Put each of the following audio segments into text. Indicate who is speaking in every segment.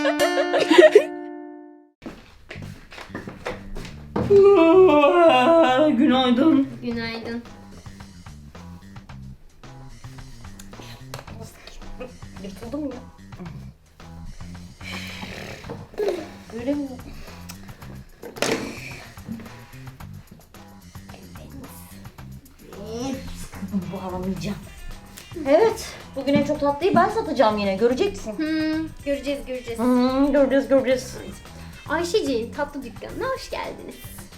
Speaker 1: Günaydın.
Speaker 2: Günaydın.
Speaker 1: Yırtıldım ya. Öyle mi? Bu alamayacağım. Evet. Bugün en çok tatlıyı ben satacağım yine. Göreceksin.
Speaker 2: Göreceğiz.
Speaker 1: Göreceğiz.
Speaker 2: Ayşeciğin tatlı dükkanına hoş geldiniz.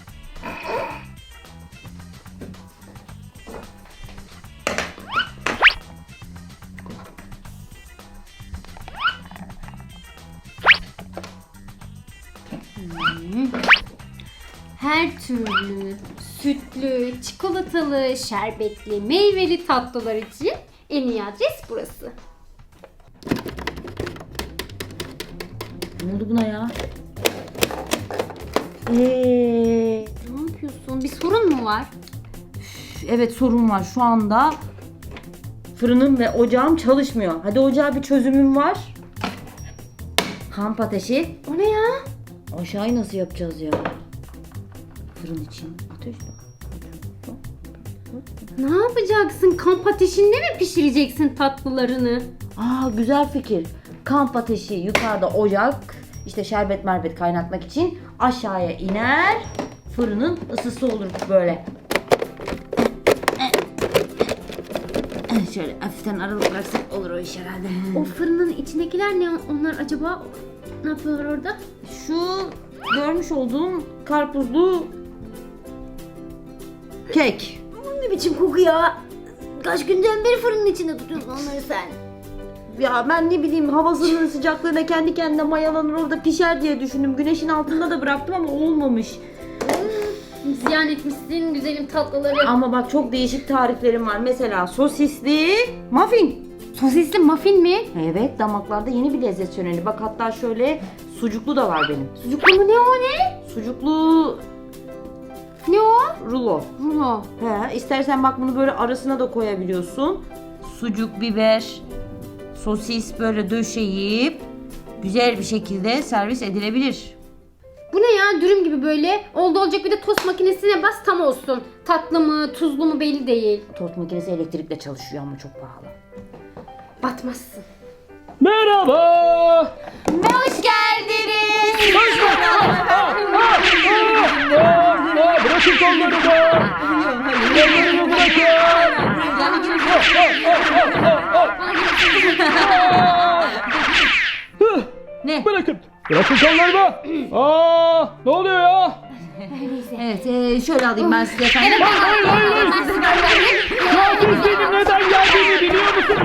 Speaker 2: Her türlü sütlü, çikolatalı, şerbetli, meyveli tatlılar için en iyi adres burası.
Speaker 1: Ne oldu buna ya?
Speaker 2: Ne yapıyorsun? Bir sorun mu var?
Speaker 1: Evet, sorun var. Şu anda fırınım ve ocağım çalışmıyor. Hadi ocağa bir çözümüm var. Kamp ateşi.
Speaker 2: O ne ya?
Speaker 1: Aşağıyı nasıl yapacağız ya? Fırın için ateş var.
Speaker 2: Ne yapacaksın? Kamp ateşinde mi pişireceksin tatlılarını?
Speaker 1: Aa, güzel fikir. Kamp ateşi yukarıda, ocak, işte şerbet merbet kaynatmak için aşağıya iner. Fırının ısısı olur böyle. Şöyle hafiften aralık bıraksak olur o iş herhalde.
Speaker 2: O fırının içindekiler ne? Onlar acaba ne yapıyorlar orada?
Speaker 1: Şu görmüş olduğum karpuzlu kek.
Speaker 2: Ne biçim koku ya? Kaç günden beri fırının içinde tutuyorsun onları sen?
Speaker 1: Ya ben ne bileyim, havasının sıcaklığına kendi kendine mayalanır orada pişer diye düşündüm. Güneşin altında da bıraktım ama olmamış.
Speaker 2: Ziyan etmişsin güzelim tatlıları.
Speaker 1: Ama bak, çok değişik tariflerim var. Mesela sosisli muffin.
Speaker 2: Sosisli muffin mi?
Speaker 1: Evet, damaklarda yeni bir lezzet şöleni. Bak, hatta şöyle sucuklu da var benim.
Speaker 2: Sucuklu mu, ne o ne?
Speaker 1: Sucuklu
Speaker 2: Ne o?
Speaker 1: rulo.
Speaker 2: Rulo.
Speaker 1: He, istersen bak bunu böyle arasına da koyabiliyorsun. Sucuk, biber, sosis böyle döşeyip güzel bir şekilde servis edilebilir.
Speaker 2: Bu ne ya, dürüm gibi böyle. Oldu olacak, bir de tost makinesine bas tam olsun. Tatlı mı tuzlu mu belli değil.
Speaker 1: Tost makinesi elektrikle çalışıyor ama çok pahalı.
Speaker 2: Batmazsın.
Speaker 3: Merhaba.
Speaker 2: Hoş geldiniz.
Speaker 3: Bırakın kollarımı. Kollarımı bırakın.
Speaker 1: Ne?
Speaker 3: Bırakın. Bırakın kollarımı. Ne oluyor ya?
Speaker 1: Evet, şöyle alayım ben size efendim.
Speaker 3: Siz benim neden geldiğimi biliyor musunuz?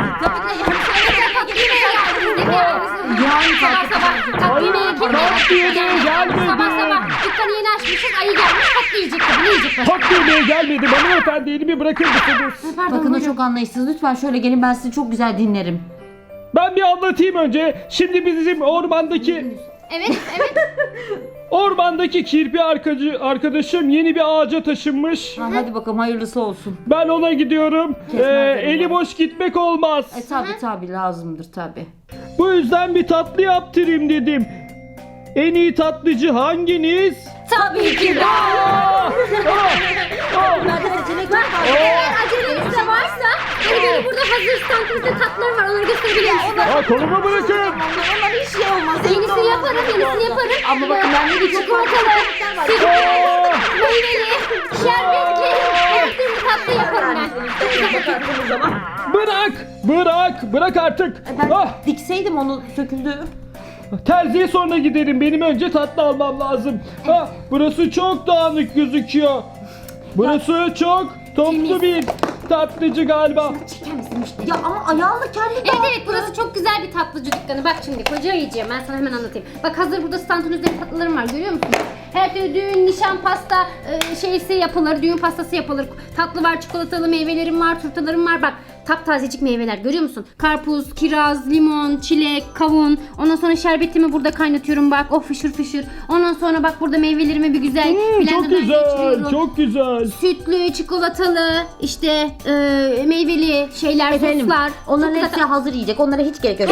Speaker 1: Yani
Speaker 2: Tatlı yemeğe kim
Speaker 3: Tatlı yemeğe gelmedim.
Speaker 2: Sabah dükkanı yeni açmışız, ayı gelmiş tatlı yiyecek. Ne yiyecek?
Speaker 3: Tatlı yemeğe gelmedim. Hanımefendi, elimi bırakır mısınız?
Speaker 1: bakın, o çok anlayışsız. Lütfen şöyle gelin, ben sizi çok güzel dinlerim.
Speaker 3: Ben bir anlatayım önce. Şimdi bizim ormandaki
Speaker 2: Evet.
Speaker 3: kirpi arkadaşım yeni bir ağaca taşınmış.
Speaker 1: Hadi bakalım, hayırlısı olsun.
Speaker 3: Ben ona gidiyorum. Eli boş gitmek olmaz.
Speaker 1: Tabii lazımdır tabii.
Speaker 3: Bu yüzden bir tatlı yaptırayım dedim. En iyi tatlıcı hanginiz?
Speaker 2: Tabii ki de.
Speaker 1: Bunlarda seçenek var.
Speaker 2: Eğer aceleniz de varsa böyle burada hazır standımızda tatlılar var, onları gösterebilirim size.
Speaker 3: Kolumu bırakın.
Speaker 1: Onlar hiç şey olmaz.
Speaker 2: Yenisini yaparım.
Speaker 1: Ama bakın, ben ne diyeceğim?
Speaker 2: Çikolatalı, sütlü, meyveli, şerbetli, her türlü tatlı yaparım ben.
Speaker 3: Bırak artık.
Speaker 1: Ben dikseydim onu, söküldü.
Speaker 3: Terziye sonra giderim. Benim önce tatlı almam lazım. Burası çok dağınık gözüküyor. Burası çok toplu bir tatlıcı galiba.
Speaker 2: Çeker misin müşteri?
Speaker 1: Ya ama ayağınla kendi
Speaker 2: Evet, burası çok güzel bir tatlıcı dükkanı. Bak şimdi koca ayıcığım, ben sana hemen anlatayım. Bak hazır burada standın üzerinde tatlılarım var, görüyor musun? Her türlü düğün, nişan, pasta şeysi yapılır. Düğün pastası yapılır. Tatlı var, çikolatalı meyvelerim var, turtalarım var. Bak taptazecik meyveler görüyor musun? Karpuz, kiraz, limon, çilek, kavun. Ondan sonra şerbetimi burada kaynatıyorum bak. Oh fışır fışır. Ondan sonra bak burada meyvelerimi bir güzel
Speaker 3: Çok
Speaker 2: blenderdan
Speaker 3: güzel,
Speaker 2: geçiriyorum.
Speaker 3: çok güzel.
Speaker 2: Sütlü, çikolatalı, işte meyveli şeyler,
Speaker 1: Efendim,
Speaker 2: soslar.
Speaker 1: onların
Speaker 2: Çok
Speaker 1: hepsi hazır yiyecek. Onlara hiç gerek yok.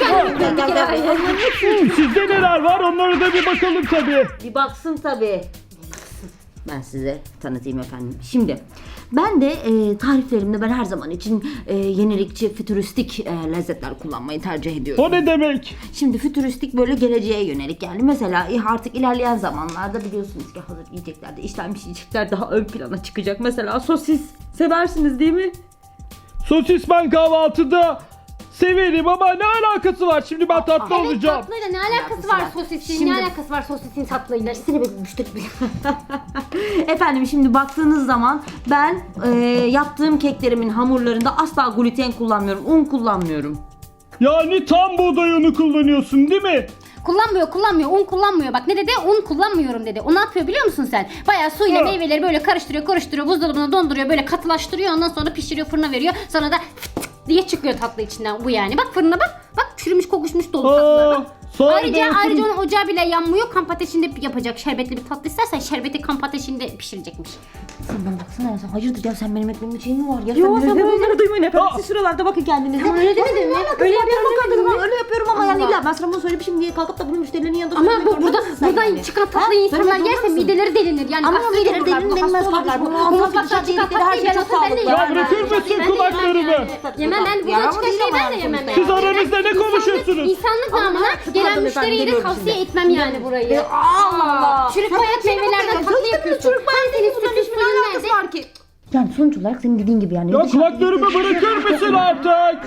Speaker 3: Sizde neler var onlara da bir bakalım tabii.
Speaker 1: Bir baksın tabii. Ben size tanıtayım efendim. Şimdi ben de tariflerimde ben her zaman için yenilikçi, fütüristik lezzetler kullanmayı tercih ediyorum.
Speaker 3: O ne demek?
Speaker 1: Şimdi fütüristik böyle geleceğe yönelik yani mesela artık ilerleyen zamanlarda biliyorsunuz ki hazır yiyeceklerde işlenmiş yiyecekler daha ön plana çıkacak. Mesela sosis seversiniz değil mi?
Speaker 3: Sosis ben kahvaltıda severim ama ne alakası var? Şimdi ben tatlı
Speaker 2: Evet,
Speaker 3: olacağım.
Speaker 2: tatlıyla ne alakası var sosisin?
Speaker 1: Şimdi-
Speaker 2: Ne alakası var sosisin tatlıyla?
Speaker 1: Seni bir müşteri Efendim şimdi baktığınız zaman ben yaptığım keklerimin hamurlarında asla gluten kullanmıyorum, un kullanmıyorum.
Speaker 3: Yani tam buğday unu kullanıyorsun değil mi?
Speaker 2: Kullanmıyor, un kullanmıyor. Bak ne dedi? Un kullanmıyorum dedi. O ne yapıyor biliyor musun sen? Bayağı suyla
Speaker 3: Ha.
Speaker 2: meyveleri böyle karıştırıyor, buzdolabına donduruyor, böyle katılaştırıyor. Ondan sonra pişiriyor, fırına veriyor. Sonra da fıt diye çıkıyor tatlı içinden bu yani. Bak fırına bak. Bak çürümüş, kokuşmuş dolu tatlılar bak. Ayrıca onun ocağı bile yanmıyor. Kamp ateşinde yapacak şerbetli bir tatlı istersen şerbeti kamp ateşinde pişirecekmiş.
Speaker 1: Sen bana baksana ya sen hayırdır ya sen benim ekmeğimin şeyin mi var ya?
Speaker 2: Yo, sen
Speaker 1: sen
Speaker 2: böyle-
Speaker 1: bunları duymayın efendim.
Speaker 3: Aa.
Speaker 1: Siz şuralarda bakın kendinize.
Speaker 2: Ama öyle demedin mi?
Speaker 1: Öyle
Speaker 2: Öyle
Speaker 1: yapıyorum
Speaker 2: yapıyorum
Speaker 1: kanka öyle yapıyorum ama yani
Speaker 2: Allah.
Speaker 1: illa ben sana bunu söylemişim diye kalkıp da bunu müşterilerin yanında
Speaker 2: Ama
Speaker 1: söylemek
Speaker 2: bu
Speaker 1: zorunda
Speaker 2: burada
Speaker 1: mısın sen
Speaker 2: buradan
Speaker 1: yani?
Speaker 2: çıkan tatlıyı
Speaker 1: Ha?
Speaker 2: insanlar
Speaker 1: Söylemek
Speaker 2: yerse
Speaker 1: zorunda mısın?
Speaker 2: mideleri delinir. Yani
Speaker 1: Ama
Speaker 2: hasta
Speaker 1: mideleri
Speaker 2: olurlar, bu
Speaker 1: delinmez
Speaker 2: hasta olurlar.
Speaker 1: kardeşim.
Speaker 2: Bu
Speaker 1: Bu ağzına
Speaker 2: mutfaktan
Speaker 1: sıçan
Speaker 2: çıkan
Speaker 1: dedikleri her
Speaker 2: tatlıyı
Speaker 1: şey
Speaker 2: ben
Speaker 1: çok
Speaker 2: olsa ben de
Speaker 1: sağlıklı.
Speaker 2: yemem.
Speaker 3: Ya bırakır
Speaker 2: Ben de
Speaker 3: mısın
Speaker 2: yemem
Speaker 3: kulaklarımı?
Speaker 2: yani. Yemem ben bu
Speaker 1: Yaramaz
Speaker 2: çıkan
Speaker 1: değil
Speaker 2: şeyi
Speaker 1: ama
Speaker 2: ben de yemem
Speaker 1: sonuçta
Speaker 2: yani.
Speaker 3: Siz aranızda ne konuşuyorsunuz?
Speaker 2: İnsanlık
Speaker 1: Ama
Speaker 2: namına
Speaker 1: pardon
Speaker 2: gelen
Speaker 1: efendim,
Speaker 2: müşteriye de
Speaker 1: geliyorum
Speaker 2: tavsiye
Speaker 1: şimdi.
Speaker 2: etmem yani burayı.
Speaker 1: Allah Allah.
Speaker 2: Çürük
Speaker 1: Sen
Speaker 2: bayat
Speaker 1: bir şey
Speaker 2: meyvelerden
Speaker 1: bakın ya.
Speaker 2: tatlı
Speaker 1: Çocuk
Speaker 2: yapıyorsun.
Speaker 1: çürük bayat
Speaker 2: Senin
Speaker 1: bunun
Speaker 2: sütün
Speaker 1: hiçbir
Speaker 2: suyun
Speaker 1: alakası
Speaker 2: nerede?
Speaker 1: var ki? Yani sonuç olarak senin dediğin gibi yani.
Speaker 3: Ya kulaklarımı bırakır mısın artık?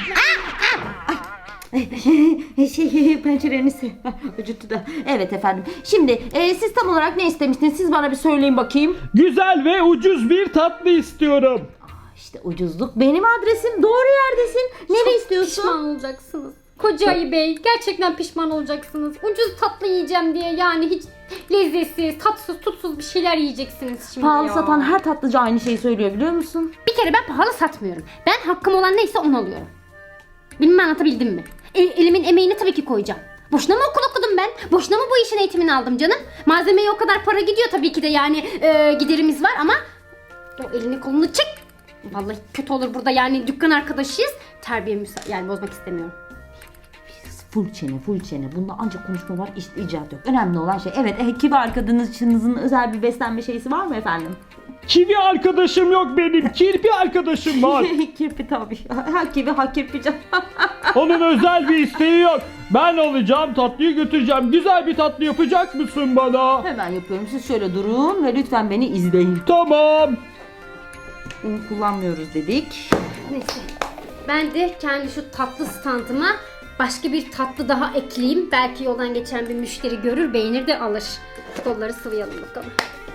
Speaker 1: Pencereniz acıttı da. Evet efendim. Şimdi siz tam olarak ne istemiştiniz? Siz bana bir söyleyin bakayım.
Speaker 3: Güzel ve ucuz bir tatlı istiyorum.
Speaker 1: İşte ucuzluk benim adresim. Doğru yerdesin. Nereye istiyorsun?
Speaker 2: Pişman olacaksınız. Koca ayı bey gerçekten pişman olacaksınız. Ucuz tatlı yiyeceğim diye yani hiç lezzetsiz, tatsız, tutsuz bir şeyler yiyeceksiniz şimdi
Speaker 1: Pahalı
Speaker 2: ya.
Speaker 1: satan her tatlıcı aynı şeyi söylüyor biliyor musun?
Speaker 2: Bir kere ben pahalı satmıyorum. Ben hakkım olan neyse onu alıyorum. Bilmem anlatabildim mi? Elimin emeğini tabii ki koyacağım. Boşuna mı okul okudum ben? Boşuna mı bu işin eğitimini aldım canım? Malzemeye o kadar para gidiyor tabii ki de yani giderimiz var ama o elini kolunu çek. Vallahi kötü olur burada yani dükkan arkadaşıyız. Terbiyemi yani bozmak istemiyorum.
Speaker 1: Full çene, full çene. Bunda ancak konuşma var, icat yok. Önemli olan şey. Evet, kibar arkadaşınızın özel bir beslenme şeysi var mı efendim?
Speaker 3: Kivi arkadaşım yok benim. Kirpi arkadaşım var.
Speaker 1: Kirpi tabii. Ha kivi, ha kirpi canım.
Speaker 3: Onun özel bir isteği yok. Ben alacağım tatlıyı götüreceğim. Güzel bir tatlı yapacak mısın bana?
Speaker 1: Hemen yapıyorum. Siz şöyle durun ve lütfen beni izleyin.
Speaker 3: Tamam.
Speaker 1: Un kullanmıyoruz dedik.
Speaker 2: Neyse. Ben de kendi şu tatlı standıma başka bir tatlı daha ekleyeyim. Belki yoldan geçen bir müşteri görür, beğenir de alır. Kolları sıvayalım bakalım.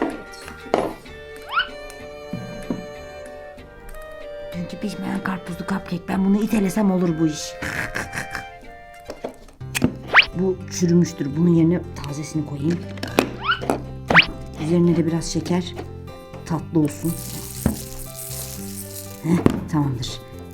Speaker 1: Dünkü pişmeyen karpuzlu cupcake. Ben bunu itelesem olur bu iş. Bu çürümüştür. Bunun yerine tazesini koyayım. Üzerine de biraz şeker. Tatlı olsun. Tamamdır.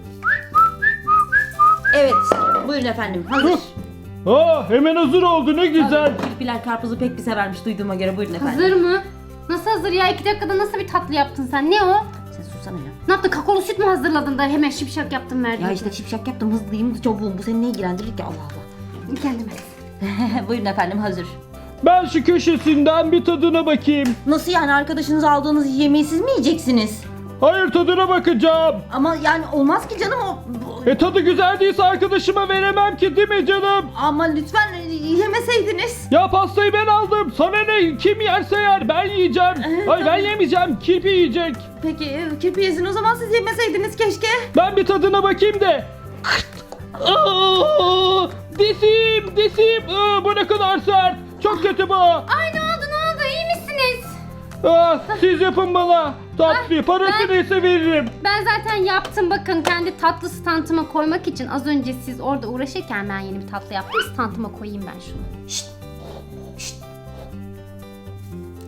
Speaker 1: Evet. Buyurun efendim. Hazır.
Speaker 3: Hemen hazır oldu ne güzel.
Speaker 1: Kirpiler karpuzu pek bir severmiş duyduğuma göre. Buyurun efendim.
Speaker 2: Hazır mı? Nasıl hazır ya? 2 dakikada nasıl bir tatlı yaptın sen? Ne o?
Speaker 1: Sen susana ya.
Speaker 2: Ne yaptın? Kakaolu süt mü hazırladın da hemen şipşak yaptın verdin?
Speaker 1: Ya işte şipşak yaptım, hızlıyım, çabuğum. Bu seni ne ilgilendirir ki Allah Allah.
Speaker 2: Kendime.
Speaker 1: Buyurun efendim hazır.
Speaker 3: Ben şu köşesinden bir tadına bakayım.
Speaker 1: Nasıl yani arkadaşınız aldığınız yemeği siz mi yiyeceksiniz?
Speaker 3: Hayır tadına bakacağım.
Speaker 1: Ama yani olmaz ki canım o.
Speaker 3: Tadı güzel değilse arkadaşıma veremem ki değil mi canım?
Speaker 1: Ama lütfen yemeseydiniz.
Speaker 3: Ya pastayı ben aldım. Sana ne? Kim yerse yer. Ben yiyeceğim. Hayır ben yemeyeceğim. Kirpi yiyecek.
Speaker 1: Peki kirpi yesin o zaman siz yemeseydiniz keşke.
Speaker 3: Ben bir tadına bakayım de. Aa, Disim. Bu ne kadar sert. Çok kötü bu.
Speaker 2: Ay ne oldu? İyi misiniz?
Speaker 3: Siz yapın bana tatlıyı. Parası neyse veririm.
Speaker 2: Ben zaten yaptım bakın kendi tatlı standıma koymak için az önce siz orada uğraşırken ben yeni bir tatlı yaptım standıma koyayım ben şunu.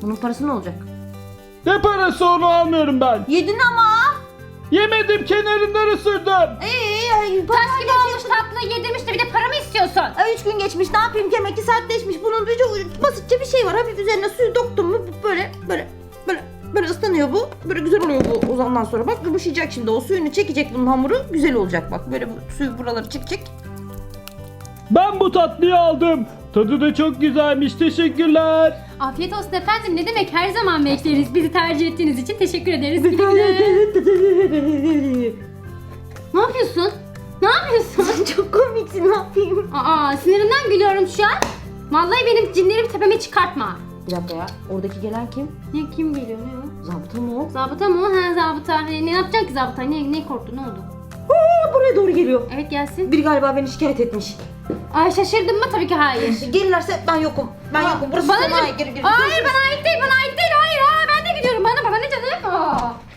Speaker 1: Bunun parası ne olacak?
Speaker 3: Ne parası, onu almıyorum ben.
Speaker 1: Yedin ama.
Speaker 3: Yemedim, kenarından ısırdım.
Speaker 2: Taş gibi olmuş tatlı yedirmiş de bir de para mı istiyorsun?
Speaker 1: 3 gün geçmiş, ne yapayım, yemek 2 sertleşmiş. Bunun basitçe bir şey var. Hafif üzerine suyu döktüm mü böyle ıslanıyor bu. Böyle güzel oluyor bu ozandan sonra. Bak yumuşayacak şimdi. O suyunu çekecek bunun hamuru. Güzel olacak bak. Böyle bu suyu buraları çekecek.
Speaker 3: Ben bu tatlıyı aldım. Tadı da çok güzelmiş. Teşekkürler.
Speaker 2: Afiyet olsun efendim. Ne demek, her zaman bekleriz. Bizi tercih ettiğiniz için teşekkür ederiz. Güle güle. Ne yapıyorsun? Ne yapıyorsun?
Speaker 1: Çok komiksin, ne yapayım?
Speaker 2: Aa, sinirimden gülüyorum şu an. Vallahi benim cinlerimi tepeme çıkartma.
Speaker 1: Bir dakika ya. Oradaki gelen kim?
Speaker 2: Ne, kim geliyor, ne o?
Speaker 1: Zabıta mı o?
Speaker 2: Zabıta mı? Ha, zabıta. Ne yapacaksın ki zabıta? Ne korktu, ne oldu?
Speaker 1: Buraya doğru geliyor.
Speaker 2: Evet, gelsin.
Speaker 1: Biri galiba beni şikayet etmiş.
Speaker 2: Ay, şaşırdın mı? Tabii ki hayır.
Speaker 1: Gelirlerse ben yokum. Ben yokum. Burası
Speaker 2: Bana
Speaker 1: sana
Speaker 2: ne?
Speaker 1: ait. Geri.
Speaker 2: Hayır, bana ait değil, bana ait değil. Hayır, ben de gidiyorum. Bana ne canım? Aa.